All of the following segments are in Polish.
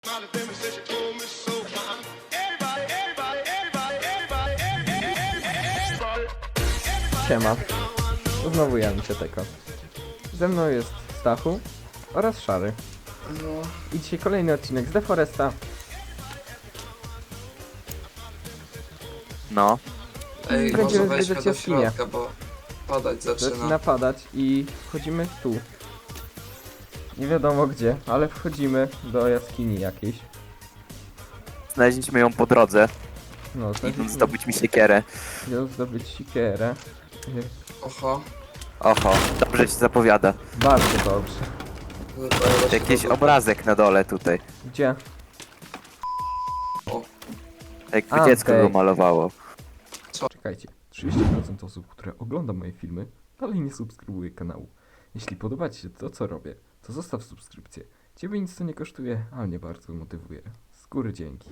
Siema, znowu ja, Misioteko. Ze mną jest Stachu oraz Szary. No. I dzisiaj kolejny odcinek z The Foresta. No, Ej, Będziemy może weźmy zwiedzać do jaskinię. środka, bo padać Zaczyna zaczyna. padać i wchodzimy tu. Nie wiadomo gdzie, ale wchodzimy do jaskini jakiejś. znaleźliśmy ją po drodze, No, idąc zdobyć mi siekierę. Idę zdobyć sikierę. Oho. Oho, dobrze się zapowiada. Bardzo dobrze. Wypadało się Jakiś to- obrazek na dole tutaj. Gdzie? Jakby A, dziecko okej. go malowało. Czekajcie, 30% osób, które ogląda moje filmy, dalej nie subskrybuje kanału. Jeśli podoba Ci się to, co robię, to zostaw subskrypcję. Ciebie nic to nie kosztuje, a mnie bardzo motywuje. Z góry dzięki.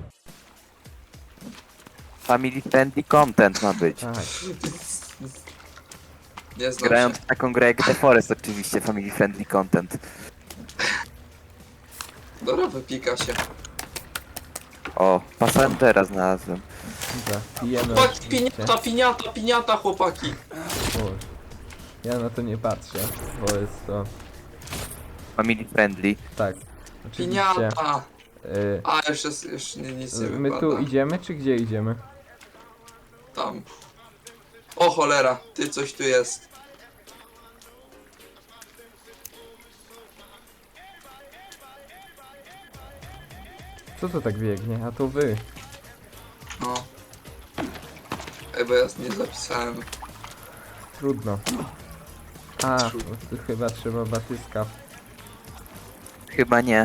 Family friendly content ma być. Tak, Nie znam Grając się. w taką grę jak The Forest oczywiście family friendly content. Dobra, wypika się. O, Passengera znalazłem. dobra, pijemy Chłopaki, oczywiście. piniata, chłopaki. O, ja na to nie patrzę, bo jest to... Family friendly. Tak, oczywiście. Piniata. y, A, już nic nie my wypada. tu idziemy, czy gdzie idziemy? Tam. O cholera, ty coś tu jest. Co to tak biegnie? A to wy. No. Ej, bo ja nie zapisałem. Trudno. A, Trudno. bo tu chyba trzeba batyska. Chyba nie.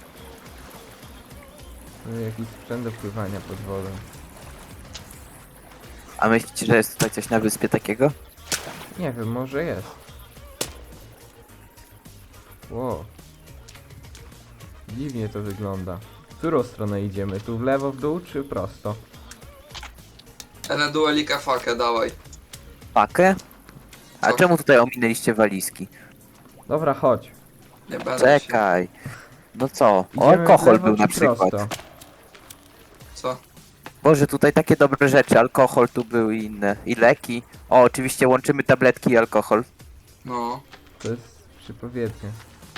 Tu jakiś sprzęt do pływania pod wodą. A myślicie, że jest tutaj coś na wyspie takiego? Nie wiem, może jest. Wow. Dziwnie to wygląda. W którą stronę idziemy? Tu w lewo, w dół, czy prosto? Ene duelika fakę, dawaj. Pakę? A Co? czemu tutaj ominęliście walizki? Dobra, chodź. Nie będę się. Czekaj. No co? Idziemy O, w alkohol lewo, był na czy przykład. prosto? Co? Boże, tutaj takie dobre rzeczy. Alkohol tu był i inne. I leki. O, oczywiście łączymy tabletki i alkohol. No. To jest przypowiednie.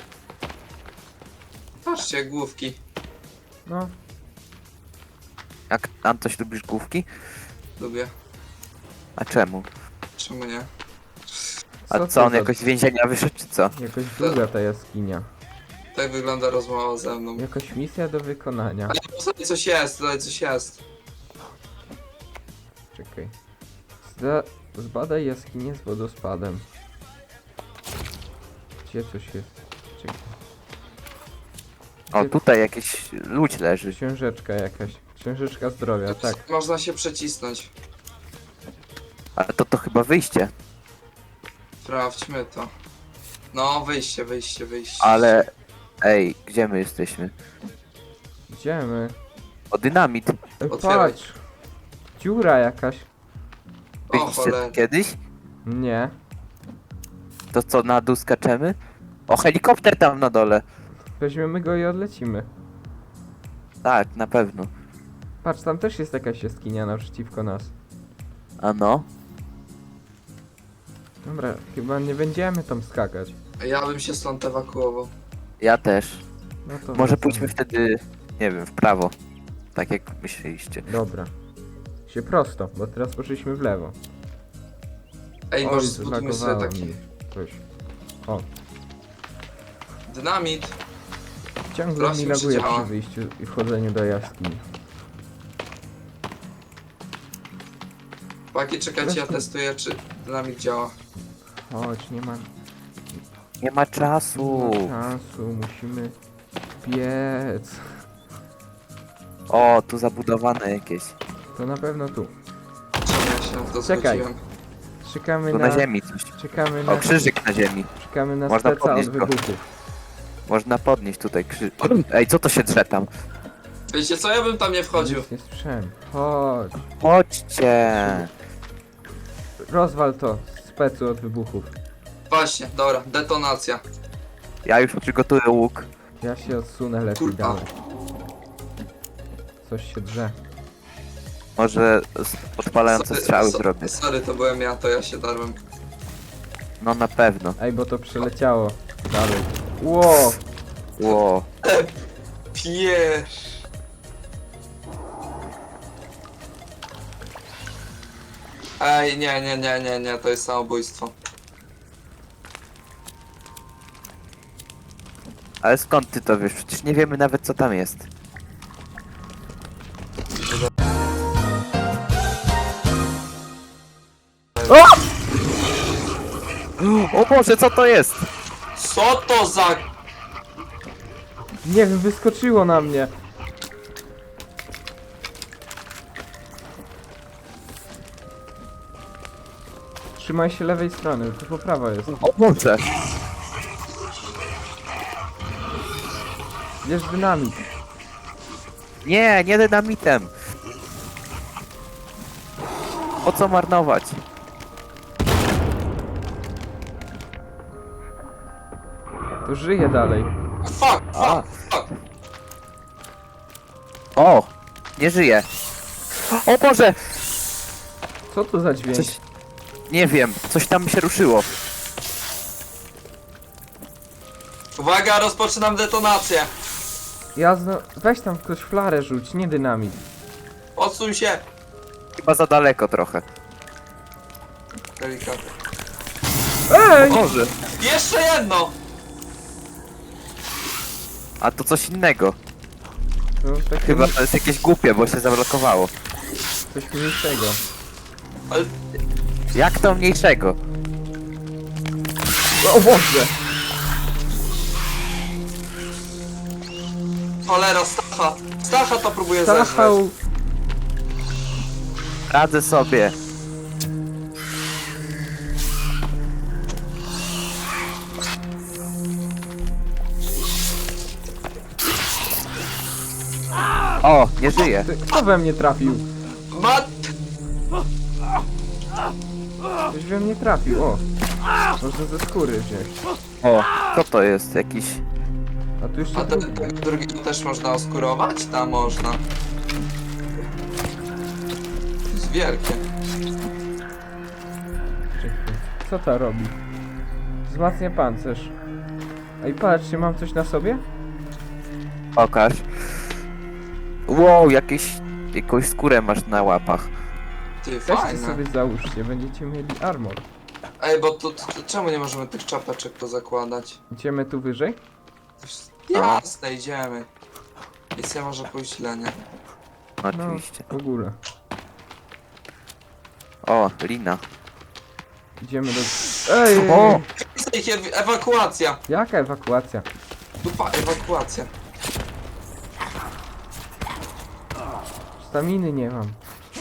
Patrzcie, główki. No, Jak Antoś lubisz główki? Lubię. A czemu? Czemu nie? A to co, on za- jakoś z więzienia wyszedł, czy co? Jakoś długa ta jaskinia. Tak wygląda rozmowa ze mną. Jakaś misja do wykonania. Ale tutaj coś jest, tutaj coś jest. Czekaj. Zbadaj jaskinię z wodospadem. Gdzie coś jest? Czekaj. O, Gdzie- tutaj jakiś ludź leży. Księżeczka jakaś. Księżyczka zdrowia, tak. Można się przecisnąć. Ale to chyba wyjście. Sprawdźmy to. No, wyjście. Ale... Ej, gdzie my jesteśmy? Idziemy. O, dynamit. Otwieraj. Patrz! Dziura jakaś. O Byliście cholera. tu kiedyś? Nie. To co, na dół skaczemy? O, helikopter tam na dole. Weźmiemy go i odlecimy. Tak, na pewno. Patrz, tam też jest jakaś jaskinia naprzeciwko nas. A no? Dobra, chyba nie będziemy tam skakać. Ja bym się stąd ewakuował. Ja też. No to Może wracamy. pójdźmy wtedy, nie wiem, w prawo. Tak jak myśleliście. Dobra. Się prosto, bo teraz poszliśmy w lewo. Ej, Oj, może zbudujmy sobie zlagowało taki mi coś. O, dynamit. ciągle Teraz mi już laguje działa. przy wyjściu i wchodzeniu do jaskini. Chłopaki, czekajcie, ja Zresztą- testuję, czy dynamit działa. Chodź, nie ma Nie ma czasu. czasu, musimy biec. O, tu zabudowane jakieś. To na pewno tu. Czemu ja się na to Czekaj. zgodziłem? Czekamy Tu na... na ziemi coś. Czekamy na... O, krzyżyk na ziemi. Czekamy na Można speca od podnieść go. wybuchów. Można podnieść tutaj krzyżyk. Ej, co to się drze tam? Wiecie co, ja bym tam nie wchodził. Nic nie słyszałem. Chodź. Chodźcie. Rozwal to, specu od wybuchów. Właśnie, dobra, detonacja. Ja już przygotuję łuk. Ja się odsunę lepiej Kurwa. dalej. Coś się drze. Może podpalające strzały so- zrobię. Sorry, to byłem ja, to ja się darłem. No na pewno. Ej, bo to przeleciało dalej. Ło! Ło. Piesz. Ej, nie, to jest samobójstwo. Ale skąd ty to wiesz? Przecież nie wiemy nawet co tam jest. O Boże, co to jest? Co to za... Nie wiem, wyskoczyło na mnie. Trzymaj się lewej strony, to po prawo jest. O Boże. Bierz dynamit. Nie, nie dynamitem. Po co marnować? To żyje dalej. Fuck, A. fuck, fuck. O! Nie żyje. O Boże! Co to za dźwięk? Coś... Nie wiem, coś tam się ruszyło. Uwaga, rozpoczynam detonację. Weź tam ktoś flarę rzuć, nie dynamit. Odsuń się. Chyba za daleko trochę. Delikatnie. Ej! Boże! Jeszcze jedno. A to coś innego. No, takie Chyba to jest jakieś głupie, bo się zablokowało. coś mniejszego. Ale... Jak to mniejszego? O Boże! Cholera, Stacha. Stacha to próbuje zeżreć. Stachał! Radzę sobie. O, nie żyje. Kto we mnie trafił? Mat... Ktoś we mnie trafił, o! Można ze skóry wziąć. O, co to jest? Jakiś... A tu jeszcze A ten drugi. drugi też można oskurować? Tam można. To jest wielkie. Czekaj. Co to robi? Wzmacnia pancerz. Ej, patrzcie, mam coś na sobie? Pokaż. Wow, jakąś skórę masz na łapach. Ty, Weźcie fajne. sobie załóżcie, będziecie mieli armor. Ej, bo to czemu nie możemy tych czapeczek pozakładać? Idziemy tu wyżej? Jasne, idziemy. Misja może pójść źle, nie? No, oczywiście. W ogóle. O, lina. Idziemy do... Ej! O! Ewakuacja! Jaka ewakuacja? Dupa, ewakuacja. Staminy nie mam.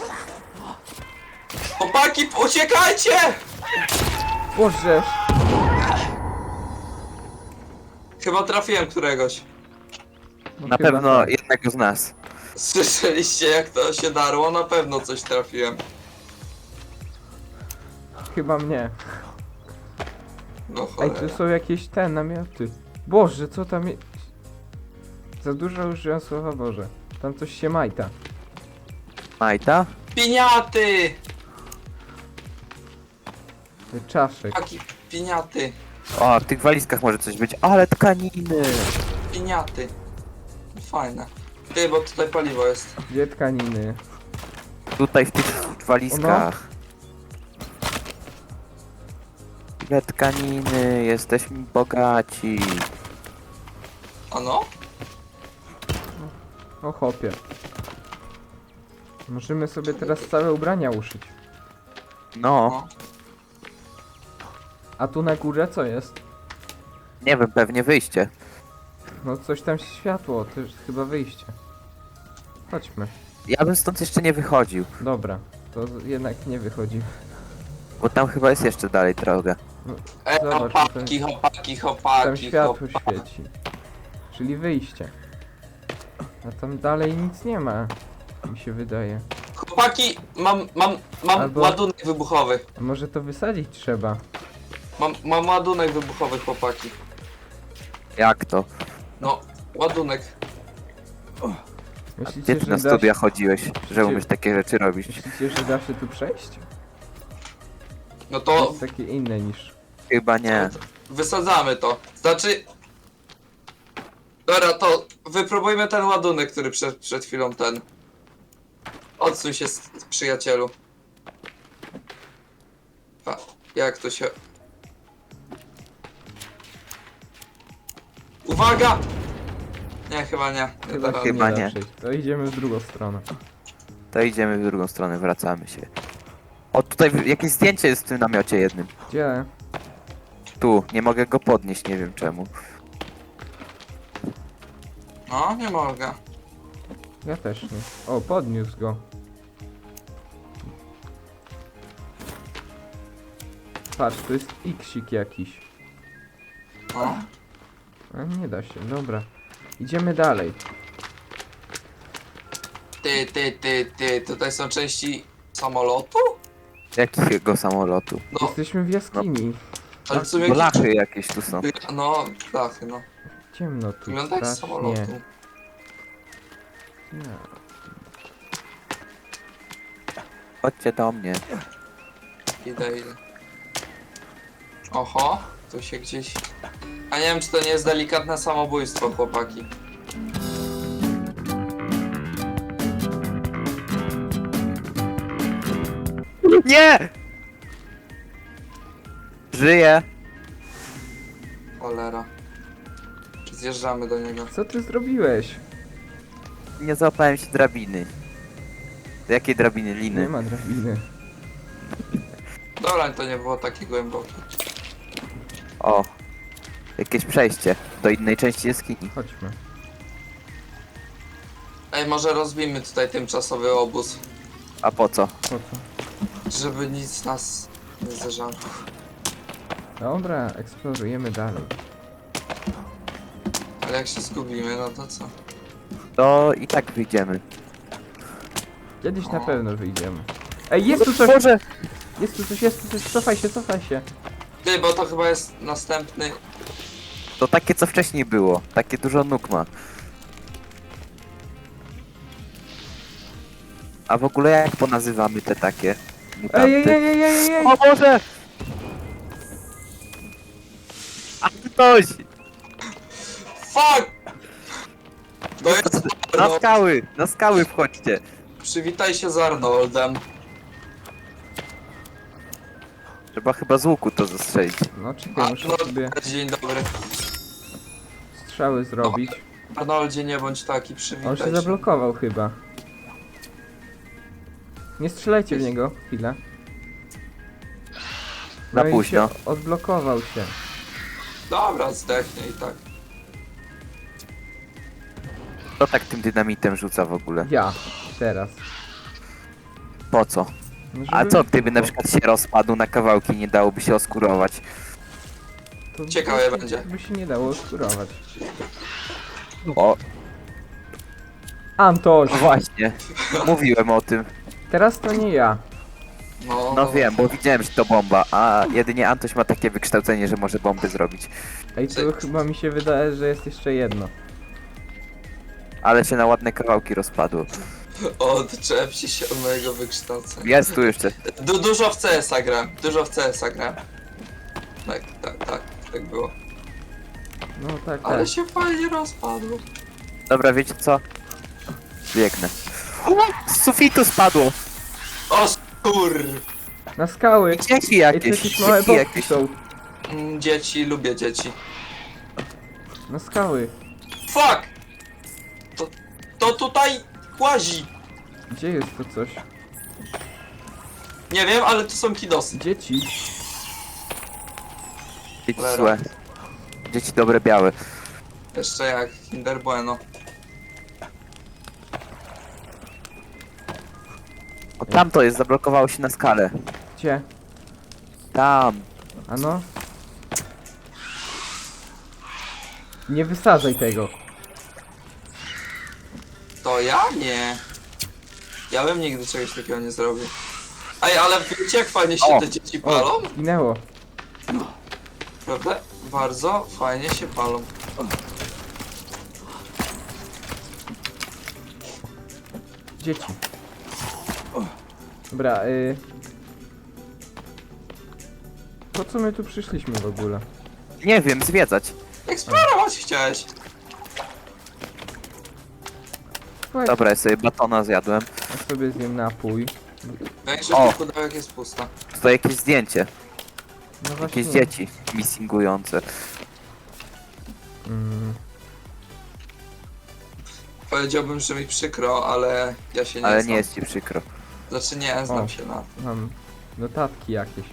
Chłopaki, uciekajcie! Boże! Chyba trafiłem któregoś. No Na chyba pewno tak. jednego z nas. Słyszeliście jak to się darło? Na pewno coś trafiłem. Chyba mnie. No Ej, cholera. tu są jakieś te namioty. Boże, co tam jest? Za dużo użyłem słowa Boże. Tam coś się majta. Majta? Piniaty! Czaszek. Chłopaki, piniaty. O, w tych walizkach może coś być. Ale tkaniny! Piniaty. Fajne. Ty, bo tutaj paliwo jest. Gdzie tkaniny? Tutaj w tych walizkach. Ile tkaniny, jesteśmy bogaci. Ano? O chopie. Możemy sobie teraz całe ubrania uszyć. No, No. A tu na górze co jest? nie wiem, pewnie wyjście. No coś tam światło, to jest chyba wyjście. Chodźmy. Ja bym stąd jeszcze nie wychodził, Dobra, to jednak nie wychodzi. bo tam chyba jest jeszcze dalej droga. Zobacz, Chłopaki, chłopaki, Tam chłopaki, światło chłopaki. świeci. Czyli wyjście. A tam dalej nic nie ma. Mi się wydaje. Chłopaki, mam Albo- ładunek wybuchowy. A może to wysadzić trzeba? Mam ładunek wybuchowy, chłopaki. Jak to? No, Ładunek. Myślicie, Gdzie ty na da studia się, chodziłeś, że umiesz takie rzeczy robić? myślicie, że da się tu przejść? No To to jest takie inne niż... Chyba nie. wysadzamy to. Znaczy... Dobra, to wypróbujmy ten ładunek, który przed chwilą ten... Odsuń się, przyjacielu. A, jak to się... Uwaga! Nie, chyba nie. Nie da rady. chyba da nie. przejść. To idziemy w drugą stronę. To idziemy w drugą stronę, wracamy się. O, tutaj jakieś zdjęcie jest w tym namiocie jednym. Gdzie? Tu, nie mogę go podnieść, nie wiem czemu. No, nie mogę. Ja też nie. O, podniósł go. Patrz, to jest X-ik jakiś. No. A nie da się, dobra. Idziemy dalej. Ty, tutaj są części samolotu? Jakiego samolotu? No, Jesteśmy w jaskini. ale w sumie Bo lachy jakieś tu są. No, tak, no. Ciemno tu. Wygląda jak z strasznie. samolotu. Nie. Chodźcie do mnie. Idę. Oho, tu się gdzieś... A nie wiem, czy to nie jest delikatne samobójstwo, chłopaki. Nie! Żyję! Cholera. Czy zjeżdżamy do niego? Co ty zrobiłeś? Nie złapałem się drabiny. Jakiej drabiny? Nie Liny? ma drabiny. Dobra, to nie było takie głębokie. O! Jakieś przejście do innej części jaskini. Chodźmy. Ej, może rozbijmy tutaj tymczasowy obóz, A po co? Po co? żeby nic nas nie zderzało. Dobra, eksplorujemy dalej. Ale jak się zgubimy, no to co? To i tak wyjdziemy. Kiedyś na O. pewno wyjdziemy. Ej, jest tu coś! Boże! Jest tu coś, jest tu coś! Cofaj się, cofaj się! Ty, bo to chyba jest następny... To takie co wcześniej było. Takie dużo nóg ma. A w ogóle jak ponazywamy te takie mutanty? Ej! O Boże! A ktoś! Fuck! To jest Na Arnold. skały! Na skały wchodźcie! Przywitaj się z Arnoldem. Trzeba chyba z łuku to zastrzelić. No czekaj, muszę sobie Dzień dobry. strzały zrobić. Arnoldzie, nie bądź taki, On przywitaj się się. zablokował chyba. Nie strzelajcie w niego, chwilę. Na No i późno. się odblokował się. Dobra, zdechnie i tak. Kto tak tym dynamitem rzuca w ogóle? Ja. Teraz. Po co? No, A żeby co gdyby na wybuchło. przykład się rozpadł na kawałki, nie dałoby się oskurować? To Ciekawe by- będzie. By się nie dało skurować. O, Antoś! właśnie. Mówiłem o tym. Teraz to nie ja. No wiem, bo widziałem, że to bomba, a jedynie Antoś ma takie wykształcenie, że może bomby zrobić. Ej, to chyba mi się wydaje, że jest jeszcze jedno. Ale się na ładne kawałki rozpadło. Odczepcie się od mojego wykształcenia. Jest tu jeszcze. Dużo w CS-a gram. Dużo w CS-a gram. Tak było. No tak, Ale tak. się fajnie rozpadło. Dobra, wiecie co? Biegnę. Z sufitu spadło! O kur... Na skały! Dzieci Ej, jakieś, to jakieś małe dzieci bobki jakieś. są. Dzieci, lubię dzieci. Na skały. Fuck! To tutaj łazi. Gdzie jest to coś? Nie wiem, ale to są kidosy. Dzieci. Dzieci Cholera. złe. Dzieci dobre białe. Jeszcze jak Kinder Bueno. O, tam to jest, zablokowało się na skalę. Gdzie? Tam. A no? Nie wysadzaj tego. To ja? Nie. Ja bym nigdy czegoś takiego nie zrobił. Ej, ale wiecie jak fajnie się O! te dzieci palą? O, zginęło. Prawda? Bardzo fajnie się palą. Dzieci. Dobra, po co my tu przyszliśmy w ogóle? Nie wiem, zwiedzać. Eksplorować chciałeś. Słuchajcie, Dobra, ja sobie batona zjadłem. ja sobie zjem napój. Większość O. tych pudełek jest pusta. Tutaj jakieś zdjęcie. No właśnie. Jakieś dzieci missingujące. Mm, Powiedziałbym, że mi przykro, ale ja się nie Ale znam. nie jest ci przykro. Znaczy nie znam O. się na... mam notatki jakieś.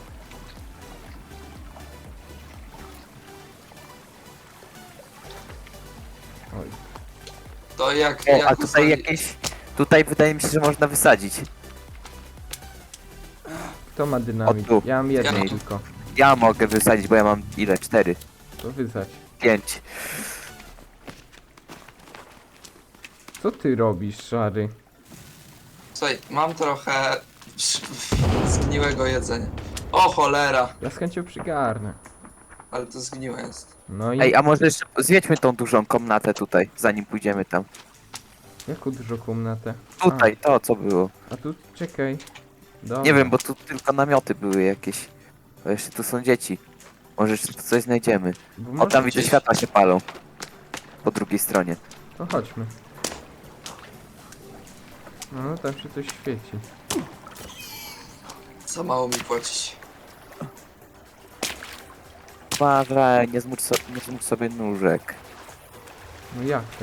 Oj, To jak... O, jak a tutaj usali- jakieś... Tutaj wydaje mi się, że można wysadzić. kto ma dynamit? O, tu. Ja mam jedną Ja. tylko. Ja mogę wysadzić, bo ja mam ile? 4, To wysać. 5. Co ty robisz, szary? Słuchaj, mam trochę zgniłego jedzenia. O cholera! Ja z chęcią przygarnę. Ale to zgniłe jest. No i Ej, a może jeszcze zwiedźmy tą dużą komnatę tutaj, zanim pójdziemy tam. jaką dużą komnatę? Tutaj, to co było. A tu czekaj. Dobra. Nie wiem, bo tu tylko namioty były jakieś. Bo jeszcze tu są dzieci. Może jeszcze tu coś znajdziemy. Bo O, może tam widzę, gdzieś- światła się palą. Po drugiej stronie. To chodźmy. No, tam się coś świeci. Za mało mi płacić. Uważaj, nie zmuć sobie nóżek. No jak to?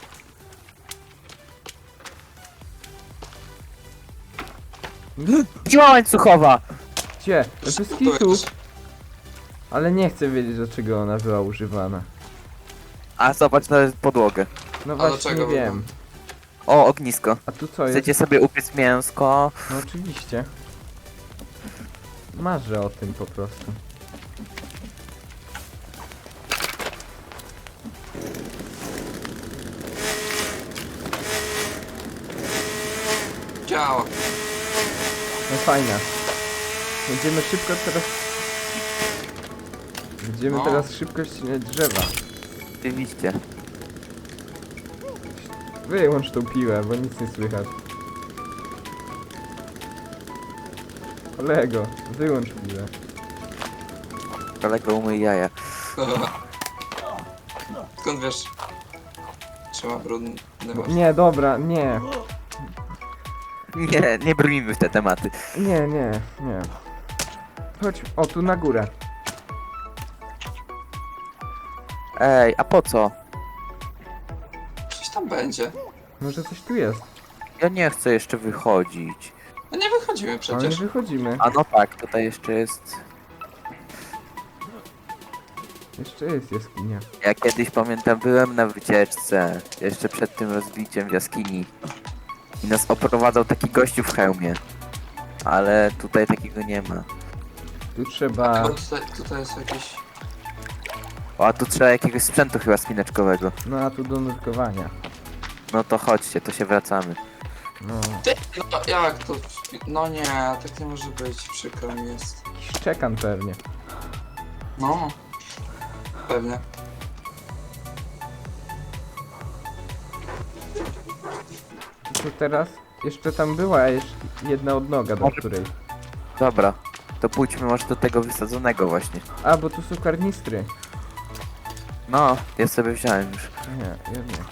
Dziła łańcuchowa! Gdzie? Bez To kitu. jest... Ale nie chcę wiedzieć, do czego ona była używana. A zobacz na podłogę. No A do właśnie czego wiem. O, ognisko. A tu co jest? Chcecie sobie upiec mięsko? No oczywiście. Marzę o tym po prostu. Działa. No fajna. Będziemy szybko teraz... Będziemy No. teraz szybko ścinać drzewa. Oczywiście. Wyłącz tą piłę, bo nic nie słychać. Kolego, wyłącz piłę. Kolego umyj jaja. Skąd wiesz? Trzyma brudny Bo, masz. nie, dobra, nie. Nie brnijmy w te tematy. Nie, nie, nie. Chodź, o tu na górę. Ej, a po co? Coś tam będzie. Może coś tu jest. Ja nie chcę jeszcze wychodzić. No nie wychodzimy Ale nie przecież. wychodzimy. A no tak, tutaj jeszcze jest... Jeszcze jest jaskinia. Ja kiedyś pamiętam, byłem na wycieczce, jeszcze przed tym rozbiciem w jaskini. I nas oprowadzał taki gościu w hełmie. Ale tutaj takiego nie ma. Tu trzeba... Bo tutaj jest jakiś... O, a tu trzeba jakiegoś sprzętu chyba spinaczkowego. No a tu do nurkowania. No to chodźcie, to się wracamy. No. Ty, no jak to? No nie, tak nie może być. Przykro mi jest. Jakiś czekan pewnie. No. Pewnie. To teraz? Jeszcze tam była jeszcze jedna odnoga, do Może- której... Dobra, to pójdźmy może do tego wysadzonego właśnie. A, bo tu są karnistry. No, ja sobie wziąłem już. Nie, ja nie.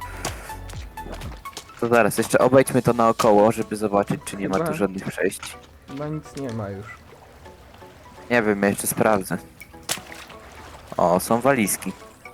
To zaraz, jeszcze obejdźmy to naokoło, żeby zobaczyć, czy nie ma Chyba- tu żadnych przejść. Chyba nic nie ma już. Nie wiem, ja jeszcze sprawdzę. O, są walizki.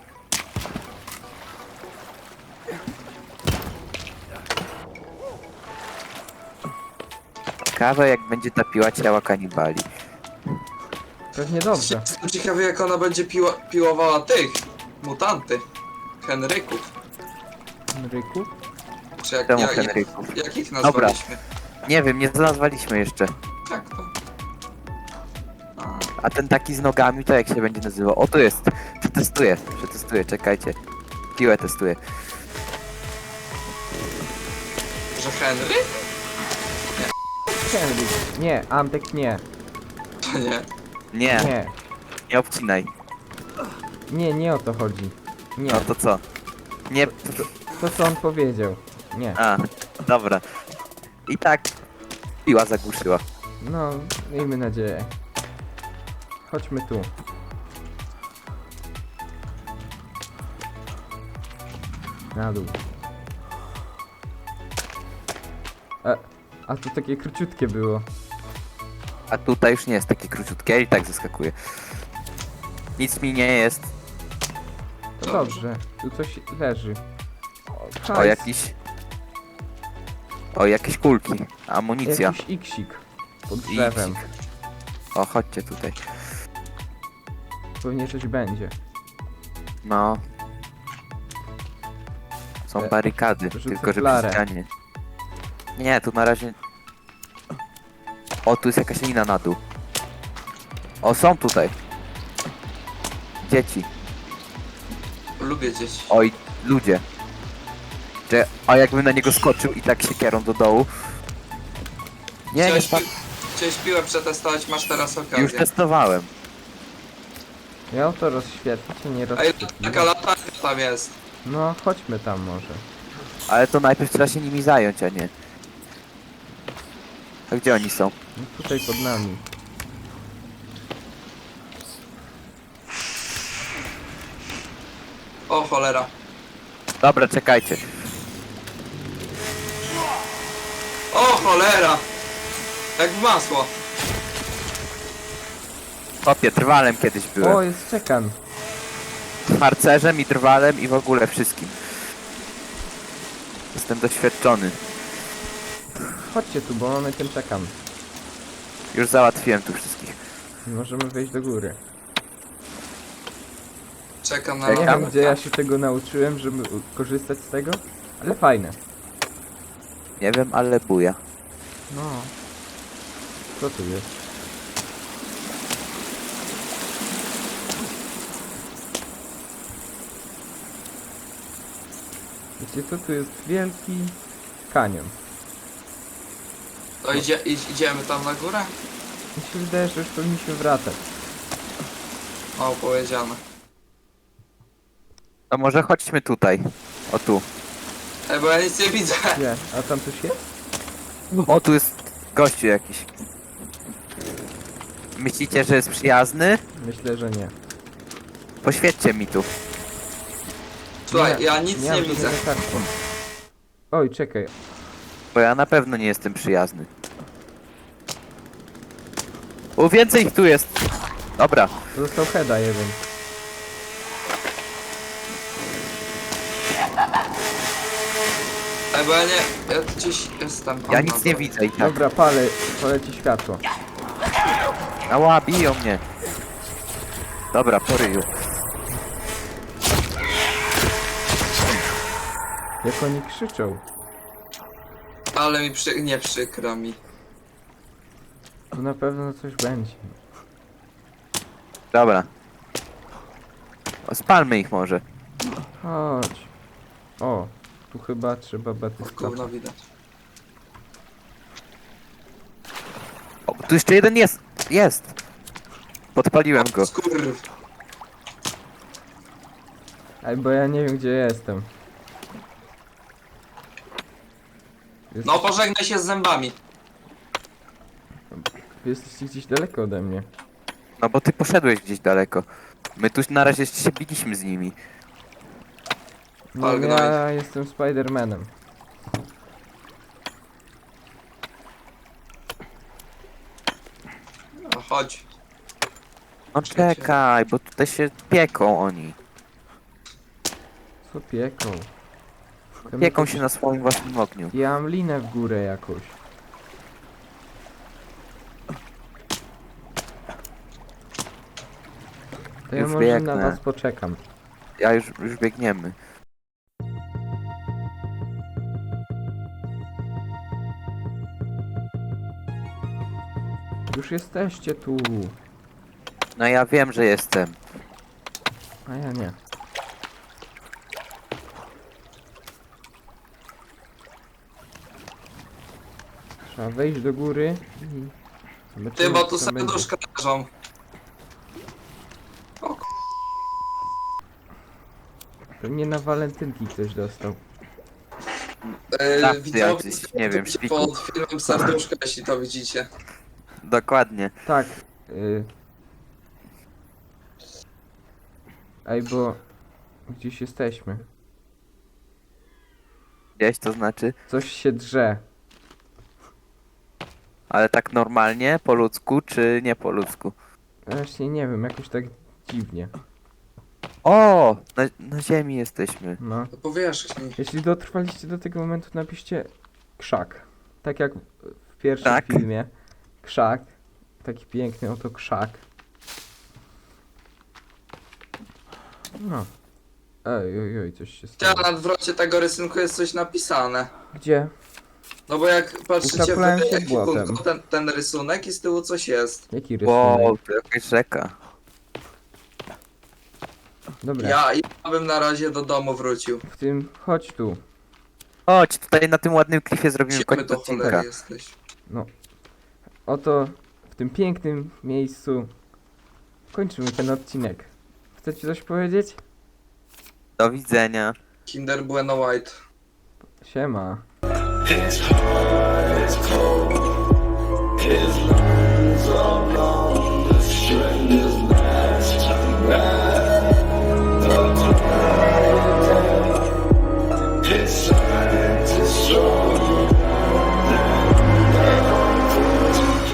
Ciekawe jak będzie ta piła ciała kanibali. Pewnie dobrze. Jestem ciekawy jak ona będzie piłowała tych mutanty. Henryków. Ryku? Czy jak, Czemu jak, Henryków? jak ich nazwaliśmy? Nie wiem, nie znalazłaliśmy jeszcze. Jak to? A, A ten taki z nogami to jak się będzie nazywał? O, tu jest. Przetestuję, czekajcie. Piłę testuję. że Henry? Henryk. Nie, Antek nie. To nie. Nie, Nie. nie obcinaj. Nie, nie o to chodzi. Nie. No to co? Nie. To co on powiedział. Nie. A, Dobra. I tak piła zagłuszyła. No, miejmy nadzieję. Chodźmy tu. Na dół. A to takie króciutkie było. A tutaj już nie jest takie króciutkie i tak zaskakuje. Nic mi nie jest. To dobrze. Tu coś leży. O hajs. jakiś... O jakieś kulki. Amunicja. Jakiś iksik. Pod drzewem. Iksik. O, chodźcie tutaj. Pewnie coś będzie. No. Są barykady, rzucę tylko że flarę. przy ścianie. Nie, tu na razie... O, tu jest jakaś lina na dół. O, są tutaj. Dzieci. Lubię dzieci. Oj, ludzie. A jakbym na niego skoczył i tak siekierą do dołu. Nie, nie Chciałeś, spadł. chciałeś piłę przetestować, masz teraz Już okazję. testowałem. Miał to rozświetlić, a nie Ej, rozświetlić. taka latarka tam jest. No, chodźmy tam może. Ale to najpierw trzeba się nimi zająć, a nie. A gdzie oni są? No, tutaj pod nami. O cholera. Dobra, czekajcie. O cholera! Jak w masło. Kopie, drwalem kiedyś O, byłem. jest czekan. Harcerzem i drwalem i w ogóle wszystkim. Jestem doświadczony. Chodźcie tu, bo mamy ten czekan. Już załatwiłem tu wszystkich. Możemy wejść do góry. Czekam na Ja nie wiem, latarkę. gdzie ja się tego nauczyłem, żeby korzystać z tego, ale fajne. Nie wiem, ale buja. No. Co tu jest? Wiecie co, tu jest wielki kanion. To idziemy tam na górę? Mi się wydaje, że już powinniśmy wracać. O, powiedziane. To może chodźmy tutaj. O tu. Ej, bo ja nic nie widzę. Gdzie? A tam coś jest? O, tu jest gościu jakiś. Myślicie, że jest przyjazny? Myślę, że nie. Poświećcie mi tu. Słuchaj, ja nic nie mam widzę. żadnego kartku. Oj, czekaj. Bo ja na pewno nie jestem przyjazny. O, więcej ich tu jest. Dobra. Został heada jeden. Ej, bo ja nie... Ja gdzieś jestem. Ja O, nic no nie to- widzę i tak. Dobra, palę ci światło. Ała, biją mnie. Dobra, po ryju. Jak oni krzyczą. Ale mi nie przykro mi. Tu na pewno coś będzie. Dobra. O, spalmy ich może. Chodź. O, tu chyba trzeba O, batystować. gówno widać. O, tu jeszcze jeden jest. Jest. Podpaliłem go. Skurw. Ej, bo ja nie wiem, gdzie jestem. No, pożegnaj się z zębami. Jesteście gdzieś daleko ode mnie. No bo ty poszedłeś gdzieś daleko. My tu na razie się biliśmy z nimi. No, Ale ja jestem Spider-Manem. No, chodź. No czekaj, bo tutaj się pieką oni. Co pieką? Tam Pieką jakoś- się na swoim własnym ogniu. Ja mam linę w górę jakoś. To ja Już może biegnę. na was poczekam. Ja już biegniemy. Już jesteście tu. No ja wiem, że jestem. A ja nie. Trzeba wejść do góry i... Ty, zobaczymy, bo co tu tam będzie. serduszka leżą. Pewnie na walentynki ktoś dostał. Dawcy Widzowie, jacyś, nie wiem, pod szpiku. filmem serduszko, jeśli to widzicie. Dokładnie. Tak. Ej, bo gdzieś jesteśmy. Gdzieś to znaczy. Coś się drze. Ale tak normalnie, po ludzku, czy nie po ludzku? Właśnie nie wiem, jakoś tak dziwnie. O! Na ziemi jesteśmy. No. To powierzchni. Jeśli dotrwaliście do tego momentu, napiszcie krzak. Tak jak w pierwszym Tak. filmie. Krzak. Taki piękny oto krzak. No. Oj, coś się Ja stało. na odwrocie tego rysunku jest coś napisane. Gdzie? No bo jak patrzycie w Ukaplałem się ekwipunku, błotem. ten rysunek i z tyłu coś jest. Jaki rysunek? Wow, to jakaś rzeka. Dobra, Ja bym na razie do domu wrócił. w tym, chodź tu. Chodź, tutaj na tym ładnym klifie zrobimy Gdzie my koniec to odcinka. cholery jesteś? No. Oto w tym pięknym miejscu kończymy ten odcinek. Chcecie coś powiedzieć? Do widzenia. Kinder Bueno White. Siema. It's hard, it's cold.